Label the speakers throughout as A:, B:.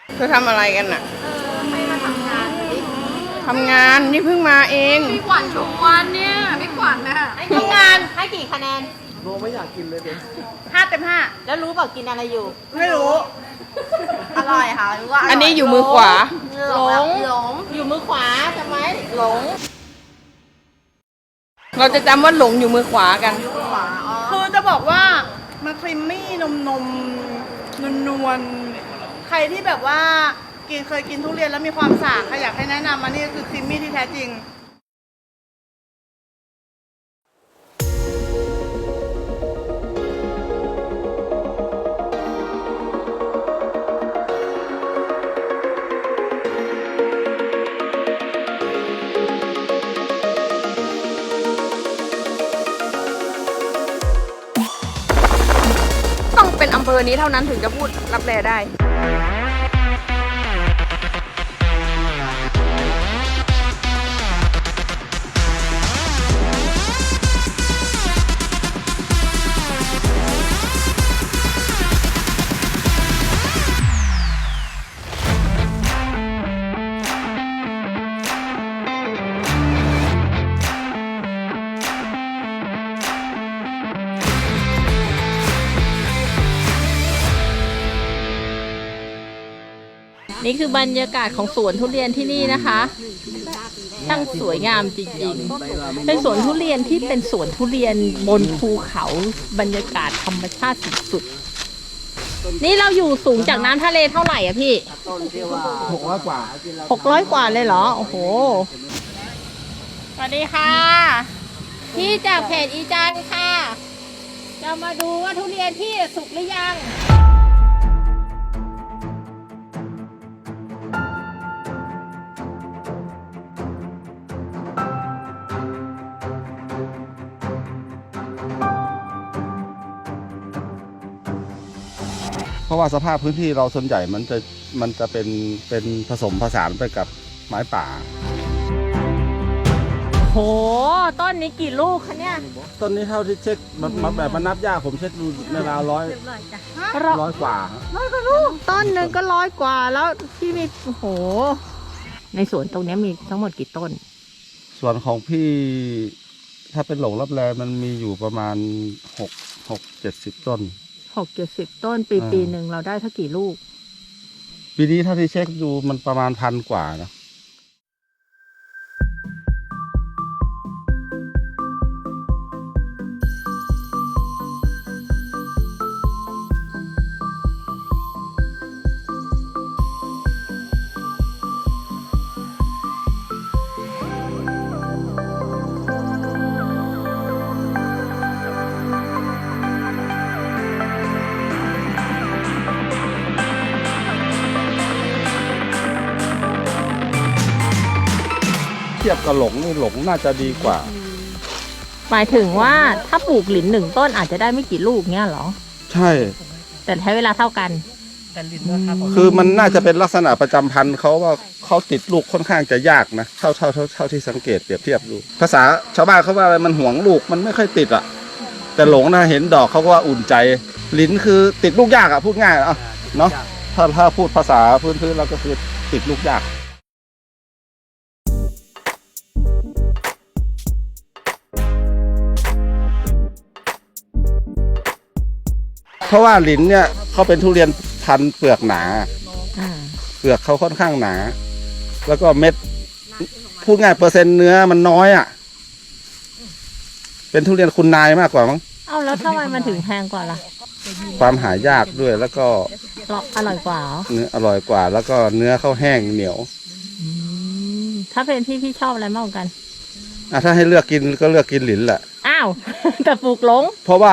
A: เธอทำอะไรกันน่ะ
B: ให้มาทำงานดิ
A: ทำงานนี่เพิ่งมาเอง
B: พี่ขวัญชมวันเนี่ยพี่ขวัญน่ะ
C: ทำงานให้กี่คะแนน
D: โบไม่อยากกินเลยเด็ก
A: 5 เต็ม
C: แล้วรู้เปล่ากินอะไรอยู่
A: 5ไม่รู้
C: อร่อยค่ะรู้ว่า
A: อันนี้อยู่มือขวา
C: หลงอยู่มือขวาจำไหมหลง
A: เราจะจำว่าหลงอยู่มือขวากัน
C: ขวาอ๋อ
E: คือจะบอกว่ามันครีมมี่นมนวลใครที่แบบว่าเคยกินทุเรียนแล้วมีความสากอยากให้แนะนำมานี่คือครีมมี่ที่แท้จริง
A: ต้องเป็นอำเภอนี้เท่านั้นถึงจะพูดรับแลได้
C: นี่คือบรรยากาศของสวนทุเรียนที่นี่นะคะช่างสวยงามจริงๆเป็นสวนทุเรียนที่เป็นสวนทุเรียนบนภูเขาบรรยากาศธรรมชาติสุดๆนี่เราอยู่สูงจากน้ำทะเลเท่าไหร่อะพี่
D: 600 กว่า
C: 600 กว่าเลยเหรอโอ้โหสวัสดีค่ะพี่จากเพจอีจันค่ะจะมาดูว่าทุเรียนพี่สุกหรือยัง
F: เพราะว่าสภาพพื้นที่เราส่วนใหญ่มันจะเป็นผสมผสานไปกับไม้ป่า
C: โหต้นนี้กี่ลูกคะเนี่ย
F: ต้นนี้เท่าที่เช็คมันแบบมันนับยากผมเช็คดูในราวร้อยกว่า
C: ต้นหนึ่งก็100 กว่าแล้วที่มีโอ้โหในสวนตรงนี้มีทั้งหมดกี่ต้น
F: ส่วนของพี่ถ้าเป็นหลงรับแลมันมีอยู่ประมาณ70 ต้น
C: 60-70 ต้นปีหนึ่งเราได้เท่ากี่ลูก
F: ปีนี้เท่าที่เช็คดูมันประมาณ1,000 กว่านะเทียบกับหลงนี่หลงน่าจะดีกว่า
C: หมายถึงว่าถ้าปลูกหลิน1 ต้นอาจจะได้ไม่กี่ลูกเงี้ยเหรอ
F: ใช่
C: แต่ใช้เวลาเท่ากัน
F: คือมันน่าจะเป็นลักษณะประจำพันธุ์เขาว่าเขาติดลูกค่อนข้างจะยากนะเท่าที่สังเกตเปรียบเทียบดูภาษาชาวบ้านเขาว่าอะไรมันห่วงลูกมันไม่ค่อยติดอ่ะแต่หลงนะเห็นดอกเขาก็ว่าอุ่นใจลิ้นคือติดลูกยากอ่ะพูดง่ายเนาะถ้าพูดภาษาพื้นๆเราก็คือติดลูกยากเพราะว่าลิ้นเนี่ยเขาเป็นทุเรียนพันธุ์เปลือกหนาเปลือกเขาค่อนข้างหนาแล้วก็เม็ดพูดง่ายเปอร์เซ็นต์เนื้อมันน้อยอ่ะเป็นทุเรียนคุณนายมากกว่ามั้ง
C: เอาแล้วทำไมมันถึงแพงกว่าล่ะ
F: ความหายากด้วยแล้วก็
C: อร่อยกว่าเหรอ
F: เนื้ออร่อยกว่า แล้วก็เนื้อเขาแห้งเหนียว
C: ถ้าเป็นพี่ชอบอะไรมากกว่ากัน
F: ถ้าให้เลือกกินก็เลือกกินหลินแหละ
C: อ้าว แต่ปลูกหลง
F: เพราะว่า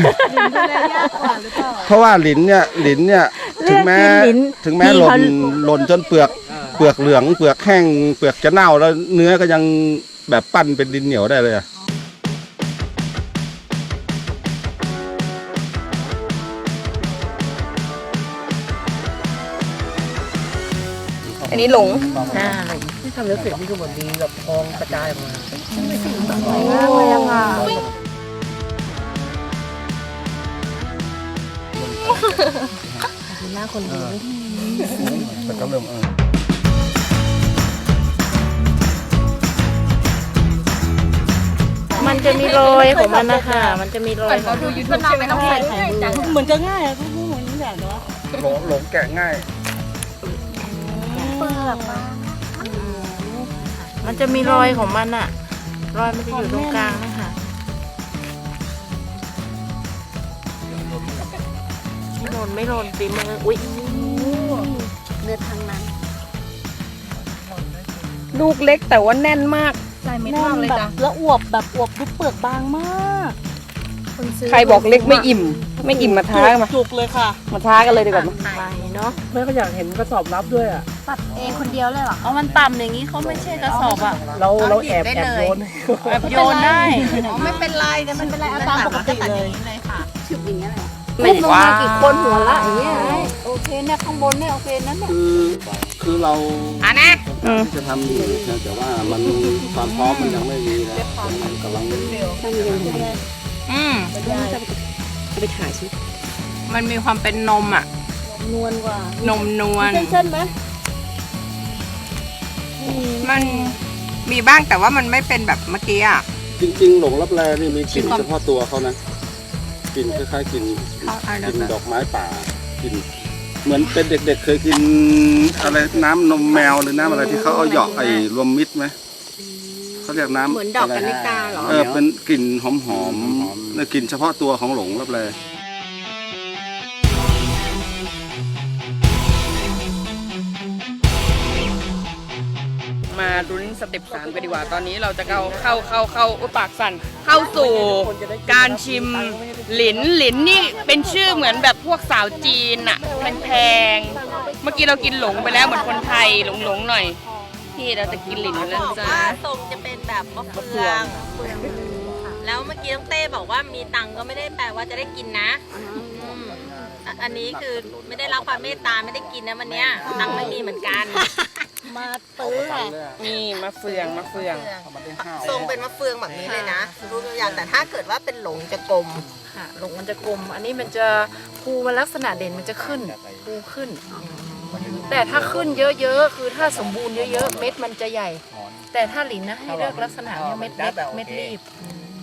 F: เพราะว่าหลินเนี่ยถึงแม้
C: เลือกกินหลิน
F: ถึงแม้
C: พี่
F: หล่
C: เขา
F: นจนเปลือกเหลืองเปลือกแห้งเปลือกจะเน่าแล้วเนื้อก็ยังแบบปั้นเป็นดินเหนียวได้เลยอะ
A: อันนี้หลง
D: ที่ทำแล้วเสร็จนี่ก็เหมือนมีแบบทองกระจายออกมา
A: เ
C: หน้าคนรู้
F: แต่ก็เริ่ม
C: มันจะมีรอยของมันนะคะมันจะมีรอยของ
B: ดูยูทูบใช่ไหมต้องใส่ถ่ายมือ
E: เหมือนจะง่ายอะทุกผู้เหมือนนี่แบบเนาะ
F: หลงแกะง่าย
C: มันจะมีรอยของมันอะรอยมันจะอยู่ตรงกลางนะคะไม่หล่นฝีมืออุ๊ย
B: เลือดทางนั้น
A: ลูกเล็กแต่ว่าแน่นมาก
B: ใส่เม็ดมากเลยจ้ะ
E: แล้วอวบแบบอวบดูเปลือกบางมาก
A: ใครบอกเล็กไม่อิ่ม ไม่อิ่มมาท้ามา
E: จุกเลยค่ะ
A: มาท้ากันเลยดีกว่า
C: ไปเนาะ
D: แม่ก็อยากเห็นกระสอบรับด้วยอ่ะ
B: ตัดเองคนเดียวเลยเหรอ
C: เอามันต่ำอย่างนี้เขาไม่ใช่กระสอบอะ
D: เราแอบโยน
C: แบบโยนได้
B: ไม่เป็นไรนะมันเป็นไรเอาตามปกติเลยชุบอย่างเงี้ยเลย
A: ไม่ว่า
B: กี่คนหัวละอย่างเงี้ยโอเคเนี่ยข้างบนเนี่ยโอเคนั้นเนี่ย
F: คือเรา
A: นะ
F: ที่จะทำอยู่แต่ว่ามันความพร้อมมันยังไม่มีนะมันกำลัง
B: ไปถ่ายชิ
C: มันมีความเป็นนมอะ
B: นวลกว่าน
C: มนวล
B: เส้นไหม
C: มันมีบ้างแต่ว่ามันไม่เป็นแบบเมื่อกี้อะ
F: จริงๆ หลงรับแลนี่มีกลิ่นเฉพาะตัวเขานะกลิ่นคล้ายๆกลิ่นดอกไม้ป่ากลิ่นเหมือนเป็นเด็กๆเคยกินอะไรน้ำนมแมวหรือน้ำอะไรที่เขาเอาหยอกไอ้รวมมิตรไหมเขาเรียกน้ำ
B: เหมือนดอกกัญกาเหรอ
F: เป็นกลิ่นหอมๆและกลิ่นเฉพาะตัวของหลงรับแล
A: มาลุ้นสเต็ป3กันดีกว่า ตอนนี้เราจะเข้าอุ๊ยปากสั่น เข้าสู่การชิมหลินนี่เป็นชื่อเหมือนแบบพวกสาวจีนอะแพงๆ เมื่อกี้เรากินหลงไปแล้วเหมือนคนไทยหลงหน่อย พี่เราจะกินหลินแล้วจ้า
C: ว่าทรงจะเป็นแบบมะเฟืองแล้วเมื่อกี้น้องเต้บอกว่ามีตังค์ก็ไม่ได้แปลว่าจะได้กินนะอันนี้คือไม่ได้รับความเมตตาไม่ได้กินนะวันเนี้ยตังค์ไม่มีเหมือนกัน
B: มาตื้ออะ
A: นี่มะเฟือง
C: ทรงเป็นมะเฟืองแบบนี้เลยนะรู้ตัวอย่างแต่ถ้าเกิดว่าเป็นหลงจะกลม
G: ค่ะหลงมันจะกลม อันนี้มันจะภูมันลักษณะเด่นมันจะขึ้นภูขึ้น แต่ถ้าขึ้นเยอะๆ คือถ้าสมบูรณ์เยอะๆ เม็ดมันจะใหญ่ แต่ถ้าหลินนะให้เลือกลักษณะเนี่ยเม็ดเล็กเม็ดรีบ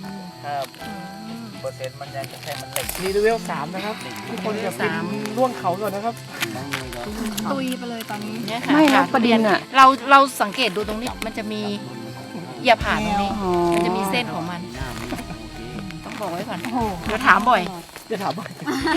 D: เปอร์เซ็นต์มันยังแค่มันเหล็กนี่เลเวล3นะครับทุกคนอย่าไปล่วงเขาก่อนนะครับ
B: ตุยไปเลยตอนนี้
G: เนี่ยค่ะ
A: ไม่นะประเด็นอะ
G: เราสังเกตดูตรงนี้มันจะมีอย่าผ่านตรงนี้ มันจะมีเส้นของมัน ต้องบอกไว้ก่อนเดี๋ยวถามบ่อย
D: จะถามว่า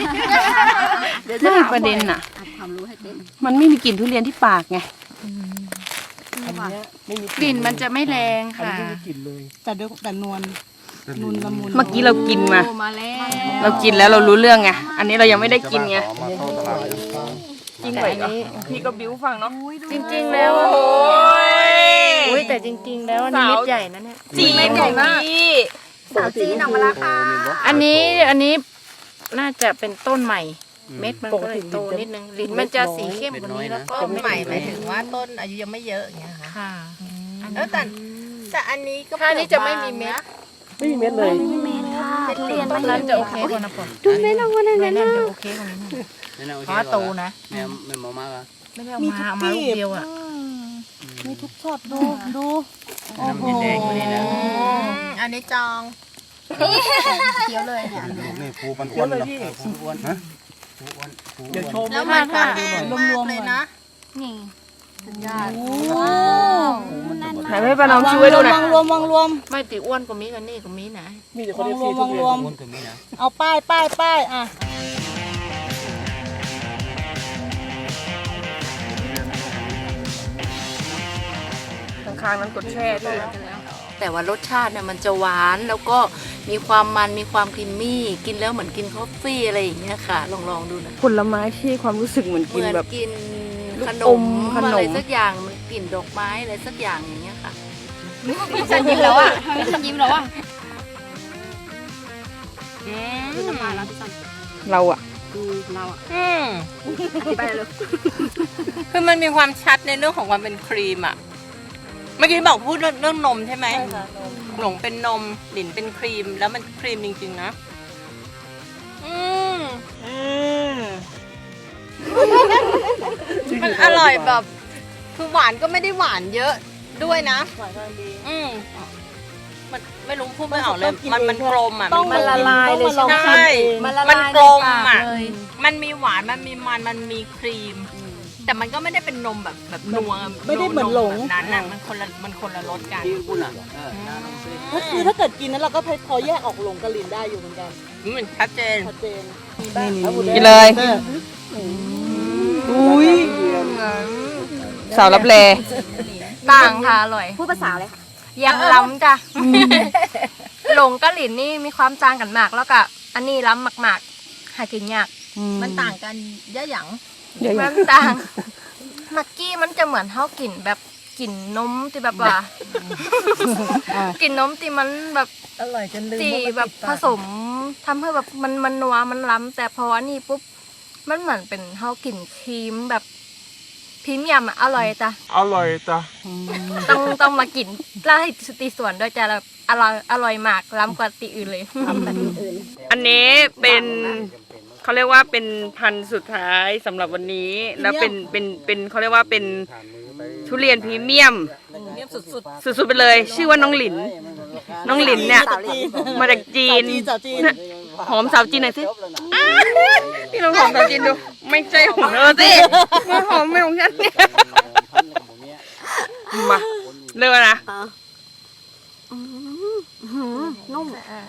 A: ไม่ประเด็นอะ
B: ความรู้ให้เต้น
A: มันไม่มีกลิ่นทุเรียนที่ปากไง
D: อันเนี้ยไม่มี
G: กลิ่นมันจะไม่แรง
D: อัน
G: ค่ะ
D: นี้ไม่มีกลิ่นเลย
E: แต่นวลละมุน
A: เมื่อกี้เรากินมา
B: โอ้มาแล้ว
A: เรากินแล้วเรารู้เรื่องไง อันนี้เรายังไม่ได้กินไง
F: มาเข้าตลาด
A: จริงไหมพี่ก็บิ้วฟังเนาะ
G: จริงๆแล้ว
A: โอ้ย
G: อุ้ยแต่จริง ๆ แล้วอันนี้เม็ดใหญ่นะเนี่ย
A: จีนของพี่
B: สาวจีนออกมาแล้วค่ะ
G: อันนี้น่าจะเป็นต้นใหม่ เม็ดมันก็เลยโตนิดนึงลิ้นมันจะสีเข้มกว่านี้แล้วก็
C: ต้นใหม่หมายถึงว่าต้นอายุยังไม่เยอะอย่างเงี้ยค่ะ
G: ค่ะ
C: แต่อันนี้ก็
G: ถ้านี้จะไม่มีเม็ด
D: ไม่มีเม็ดเลย
B: เมนค่ะทุเรียน
G: ต้นนั้นจะโอเคกว่านะปอ
B: ดูเมนออกมาเลย
G: นั่น
B: นะ
G: จะโอเคกว่านี้เพราะว่าโตนะ
D: ไม่มามากอ่ะ
G: ไม่ได้เอามาเอามาลูกเดียวอ่ะ
E: มีทุกช็อตดูโอ้โห
C: อันนี้จอง
B: เคี้ยวเลยเนี่ย
F: นี่ภูมัน
D: เยอะเลยพี่
F: อ้วนฮะ
D: เดี๋ยวโชว์
C: แล้วมันก็แห้งมากเลยนะ
B: นี่สุดยอด
A: ไหนให้ป้าน้องช่วยดูหน่อย
E: รวม
G: ไม่ติอ้วนกว่ามีกันนี่กว่ามีนะ
D: มีแต่คนที่ซีทุเรียน
E: เอาป้ายอ่ะ
A: ข้างๆนั้นกดแช่ด้วย
G: แต่ว่ารสชาติเนี่ยมันจะหวานแล้วก็มีความมันมีความครีมมี่กินแล้วเหมือนกินคอฟฟี่อะไรอย่างเงี้ยค่ะ ลองดูนะ
A: ผลไม้ที่ความรู้สึกเหมือน
G: เห
A: กิน
G: มือน
A: แบบ
G: กิน
A: ลูก
G: ขน
A: อ
G: ม
A: มขนม
G: อะไรสักอย่างมันกลิ่นดอกไม้อะไรสักอย่างอย่างเงี้ยค่ะ
B: พี่ฉันยิ้มแล้วอ่ะพี่ฉันยิ้มแล้วอ่ะ คือน้ำลายแล้วพี่ฉัน
A: เราอะ
B: เราอ่ะ
C: ไปเลยคือมันมีความชัดในเรื่องของความเป็นครีมอ่ะ เมื่อกี้บอกพูดเรื่องนมใช่ไหมหลงเป็นนมหลินเป็นครีมแล้วมันครีมจริงๆนะมันอร่อยแบบคือหวานก็ไม่ได้หวานเยอะด้วยนะ อืมมันไม่รู้พูดไม่ออกเลย มันกลมอ่ะ
B: ต้อง
C: มันละลายเลย
B: ใช่ไหม
C: ใช่
B: มันละลาย
C: มันกลมอ่ะ
B: ในปากเลย
C: มันมีหวานมันมีมันมันมีครีม แต่มันก็ไม่ได้เป็นนมแบบนัว
B: ไม่ได้เหมือนหลง
C: แบบนั้นน่ะมันคนละรสกัน
B: ก็คือถ้าเกิดกินนั้นเราก็พอแยกออกหลงกับลินได้อยู่เหมือนกัน
C: มันชัดเจน
B: ชัดเจน
A: กินเลย อุ้ยสาวรับแล
G: ต่างค่ะอร่อย
B: พูดภาษาเลยค่ะ
G: ยังล้ำจ้ะหลงกับหลินนี่มีความต่างกันมาก แล้วก็อันนี้ล้ำมากๆหากินยาก
C: มันต่างกันเยอะหยัง
G: มันต่างมักกี้มันจะเหมือนเท่ากินแบบกลิ่นนมที่แบบว่า กลิ่นนมที่มันแบบ
C: อร่อยจนลืม
G: ที่แบบผสมทำให้แบบมันนัวมันล้ำแต่พออันนี้ปุ๊บมันเหมือนเป็นเท่ากลิ่นครีมแบบพรีเมียมอะอร่อยจ้ะ
D: อร่อยจ้ะ
G: ต้องมากินร้านตีส่วนด้วยจ้ะแล้วอร่อยมากล้ำกว่าตีอื่นเลย
A: อันนี้เป็นเขาเรียกว่าเป็นพันธุ์สุดท้ายสำหรับวันนี้ แล้วเป็นเขาเรียกว่าเป็นทุเรียนพรีเมียม สุดๆไปเลย ชื่อว่าน้องหลิน น้องหลินเนี่ยมาจากจีน
B: สาวจีน
A: น่ะหอมสาวจีนหน่อยสิอ้าวพี่ลองหอมสาวจีนดู ไม่ใช่ของเธอสิมาหอมไม่ของฉันเนี่ยมาเริ่มแล้วนะ
B: นุ่ม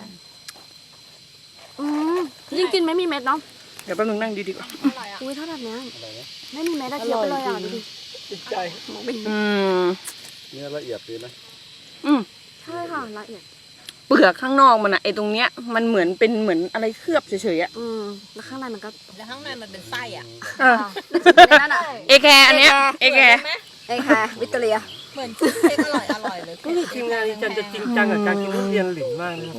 B: ยิ่งกินไม่มีเม็ดเนาะ
A: เดี๋ยวแป๊บนึงนั่งดีๆก่อน
B: อุ้ยถ้าแบบเนี้ยไม่มีเม็ดอะเคี้ยวไปเลยอ่ะดูดิ
A: อืม
F: เนื้อละเอียดดีนะ
A: อืม
B: ใช่ค่ะละเอียด
A: เปลือกข้างนอกมันอะไอตรงเนี้ยมันเหมือนเป็นเหมือนอะไรเคลือบเฉยๆอะ
B: แล้วข้างในมันก็
C: แล้วข้างในมันเป็นไส้อ่ะ
A: เออ
B: นั่นอ่ะ
A: เอแคร์อันเนี้ยเอแคร์
B: ไอ้ค่ะวิตเตอเรีย
C: เหมือนชีสเค้กอร่อยเลย
D: ทีมงานจันจะจริงจังกับการกินทุเรียนหลินมากนะครับ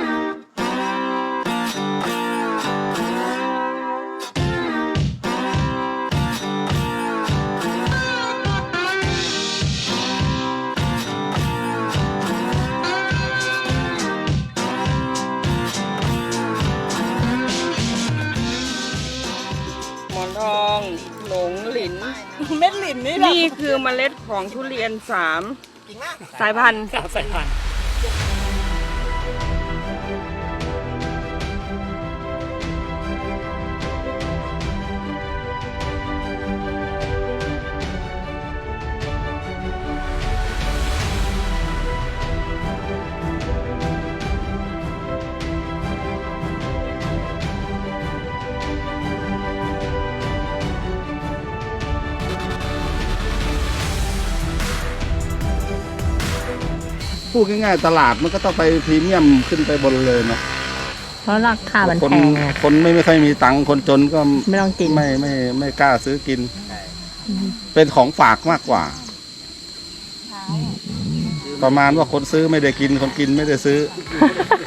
A: หมอนทองหลงหลิน
B: เม็ดหลินนี่แบบ
A: นี่คือเมล็ดของทุเรียน3 สายพันธุ์
D: สาวสายพันธุ์
F: พูดง่ายๆตลาดมันก็ต้องไปพรีเมียมขึ้นไปบนเลยเนาะ
C: เพราะราคามัน
F: คน
C: แพงไง
F: คนไม่ค่อยมีตังค์คนจนก็
C: ไม่ต้องกิน
F: ไม่กล้าซื้อกิน เป็นของฝากมากกว่า ประมาณว่าคนซื้อไม่ได้กินคนกินไม่ได้ซื้อ